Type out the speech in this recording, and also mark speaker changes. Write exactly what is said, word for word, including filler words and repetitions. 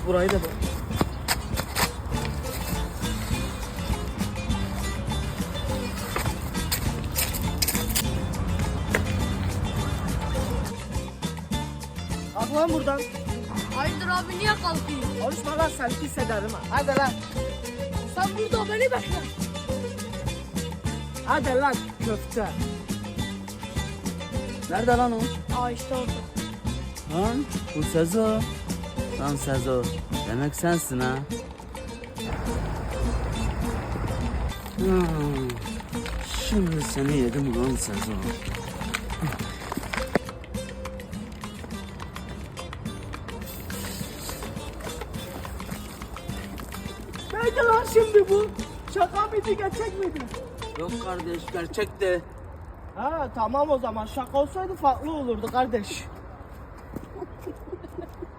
Speaker 1: Burayı da bak. Kalk lan buradan.
Speaker 2: Hayırdır abi niye kalkıyorsun?
Speaker 1: Konuşma lan, sen pis ederim ha. Hadi lan.
Speaker 2: Sen burada beni bekle.
Speaker 1: Hadi lan köfte. Nerede lan o?
Speaker 2: Aa işte orada.
Speaker 3: Lan bu Sezo. Lan Sezo. Demek sensin ha. Hmm. Şimdi seni yedim ulan Sezo.
Speaker 1: Neydi lan şimdi bu? Şaka mıydı, gerçek miydi?
Speaker 3: Yok kardeş gerçekti.
Speaker 1: Ha tamam, o zaman şaka olsaydı farklı olurdu kardeş.